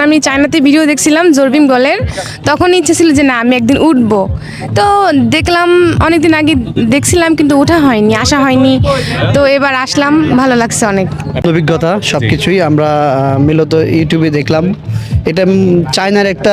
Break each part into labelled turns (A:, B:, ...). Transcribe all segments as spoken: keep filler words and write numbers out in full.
A: আমি চায়নাতে ভিডিও দেখছিলাম জোরবিম গলের, তখন ইচ্ছে ছিল যে না আমি একদিন উঠবো। তো দেখলাম অনেকদিন আগে দেখছিলাম কিন্তু ওঠা হয়নি, আসা হয়নি। তো এবার আসলাম, ভালো লাগছে অনেক।
B: অভিজ্ঞতা সব কিছুই আমরা আহ, মূলত ইউটিউবে দেখলাম। এটা উম, চায়নার একটা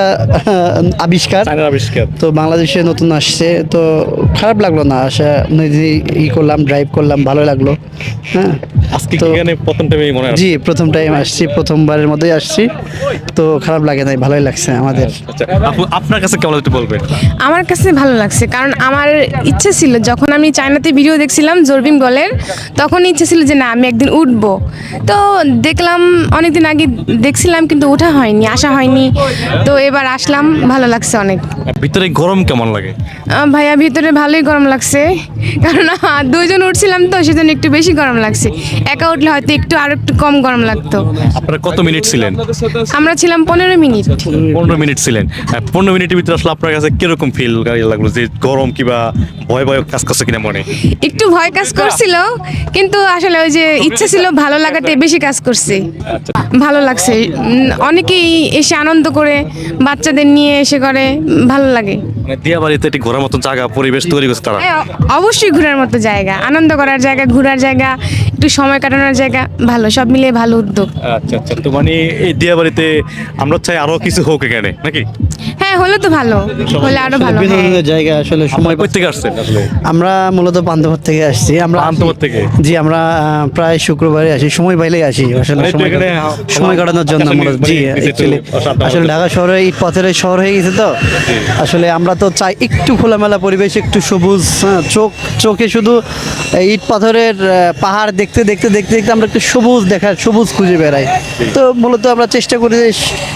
B: আহ, আবিষ্কার
C: চায়নার আবিষ্কার।
B: তো বাংলাদেশে নতুন আসছে, তো খারাপ লাগলো না। আসা নিজে ই করলাম, ড্রাইভ করলাম, ভালো লাগলো। হ্যাঁ,
C: আজকে
B: তো
C: কি এখানে প্রথম টাইমে মনে হয়?
B: জি প্রথম টাইম আসছি, প্রথমবারের মতোই আসছি, তো খারাপ লাগে নাই, ভালোই লাগছে আমাদের।
C: আচ্ছা, আপু আপনার কাছে কেমন একটু বলবেন?
A: আমার কাছে ভালো লাগছে, কারণ আমার ইচ্ছে ছিল যখন আমি চায়নাতে ভিডিও দেখছিলাম জোরবিম গলের, তখন ইচ্ছে ছিল যে না আমি একদিন উঠবো। তো দেখলাম অনেকদিন আগে দেখছিলাম কিন্তু ওঠা হয়নি, আসা হয়নি। তো এবার আসলাম, ভালো লাগছে অনেক।
C: ভিতরে গরম কেমন লাগে?
A: আহ, ভাইয়া ভিতরে ভালোই গরম লাগছে, কারণ আহ, দুইজন উঠছিলাম তো সেজন্য একটু বেশি গরম লাগছে। একা উঠলে হয়তো একটু আর একটু কম গরম লাগতো।
C: আপনারা কত মিনিট ছিলেন?
A: আমরা ছিলাম পনেরো মিনিট।
C: পনেরো মিনিট ছিলেন। হ্যাঁ, পনেরো মিনিটের ভিতরে আসলে আপনার কাছে কিরকম ফিল লাগলো, যে গরম কিবা ভয় ভয় কাজ করছে কিনা মনে?
A: একটু ভয় কাজ করছিল, কিন্তু আসলে ওই যে ইচ্ছে ছিল ভালো লাগাটাই বেশি কাজ করছে। ভালো লাগছে, উম, অনেকেই এসে আনন্দ করে, বাচ্চাদের নিয়ে এসে করে, উম, ভালো লাগে।
C: মানে দিয়াবাড়িতে একটি ঘোরার মতো জায়গা পরিবেশ তৈরি করছে তারা।
A: হ্যাঁ, অবশ্যই ঘোরার মতো জায়গা, আনন্দ করার জায়গা, ঘোরার জায়গা, একটু সময় কাটানোর জায়গা, ভালো, সব মিলিয়ে ভালো উদ্যোগ।
C: আচ্ছা আচ্ছা, তো মানে এই দিয়াবাড়িতে আমরা চাই আরো কিছু হোক এখানে নাকি?
A: হ্যাঁ, হলে তো ভালো, হলে আরো ভালো। হ্যাঁ,
B: বিনোদনের জায়গা আসলে সময়
C: সময় কোথা থেকে আসছেন আসলে?
B: আমরা মূলত পান্থপথ থেকে আসছি। আমরা
C: পান্থপথ থেকে?
B: জি, আমরা আহ, প্রায় শুক্রবারে আসি, সময় পাইলেই আসি আসলে
C: মানে একটু
B: সময়
C: এখানে
B: কাটা- সময় কাটানোর জন্য
C: আকাশের
B: মূলত।
C: নিচে
B: জি,
C: মানে নিচে একটু
B: actually
C: শান্ত
B: আসলে
C: হওয়ার
B: ঢাকা শহরে ইট পাথরের শহর হয়ে গেছে, তো আসলে আমরা তো চাই একটু খোলামেলা পরিবেশ, একটু সবুজ। হ্যাঁ, চোখ চোখে শুধু এই ইট পাথরের আহ, পাহাড় দেখতে দেখতে দেখতে দেখতে আমরা একটু সবুজ দেখার, সবুজ খুঁজে বেড়াই। তো মূলত আমরা চেষ্টা করি যে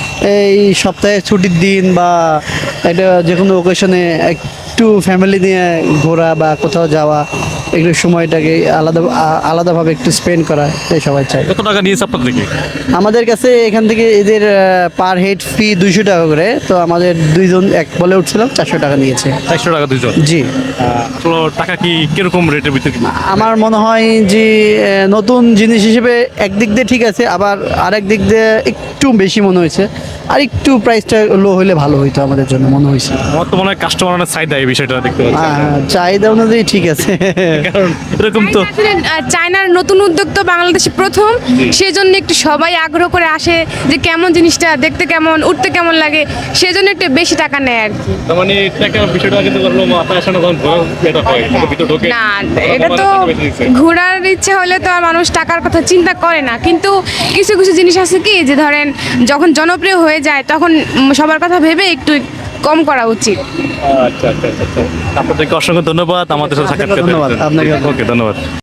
B: এই সপ্তাহে ছুটির দিন বা একটা যে কোনো ওকেশনে একটু ফ্যামিলি নিয়ে ঘোরা বা কোথাও যাওয়া, একটু সময়টাকে আলাদা আ- আলাদাভাবে একটু স্পেন্ড করা, এই সবাই চাই।
C: কত টাকা নিয়েছে আপনার থেকে?
B: আমাদের কাছে এখান থেকে এদের পার হেড ফি দুইশো টাকা করে, তো আমাদের দুইজন এক বলে উঠছিলাম, চারশো টাকা নিয়েছে।
C: চারশো টাকা দুইজন।
B: জি,
C: আসলে টাকা কি কিরকম রেটের ভিতরে?
B: আমার মনে হয় যে আহ, নতুন জিনিস হিসেবে একদিক দিয়ে ঠিক আছে, আবার আরেক দিক দিয়ে একটু বেশি মনে হয়েছে। আর একটু প্রাইসটা লো হলে ভালো হইতো আমাদের জন্য মনে হয়েছে।
C: আমার তো মনে হয় কাস্টমার অনেক চাহিদা এই বিষয়টা দেখতে পাচ্ছি।
B: আহ, চাহিদা অনুযায়ী ঠিক আছে।
C: কারণ এরকম তো
A: আসলে, আহ, চায়নার নতুন উদ্যোগ তো বাংলাদেশে প্রথম, সেজন্য একটু সবাই আগ্রহ করে আসে যে কেমন জিনিসটা দেখতে, কেমন উঠতে, কেমন লাগে, সেজন্য একটু বেশি টাকা নেয় আর কি।
C: তার মানে টাকা বিষয়টা কিন্তু করলো মাথায় আসে না, তখন ঘোরা এটা হয় কিন্তু ভিতরে ঢোকে
A: না, এটা তো ঘোরার ইচ্ছে হলে তো আর মানুষ টাকার কথা চিন্তা করে না, কিন্তু কিছু কিছু জিনিস আছে কি যে ধরেন যখন জনপ্রিয় হয়ে যায় তখন উম, সবার কথা ভেবে একটু কম করা উচিত।
C: আচ্ছা আচ্ছা আচ্ছা। আপনাদেরকে অসংখ্য ধন্যবাদ আমাদের সাথে সাক্ষাৎ করতে।
B: ধন্যবাদ, আপনাকে।
C: ওকে, ধন্যবাদ।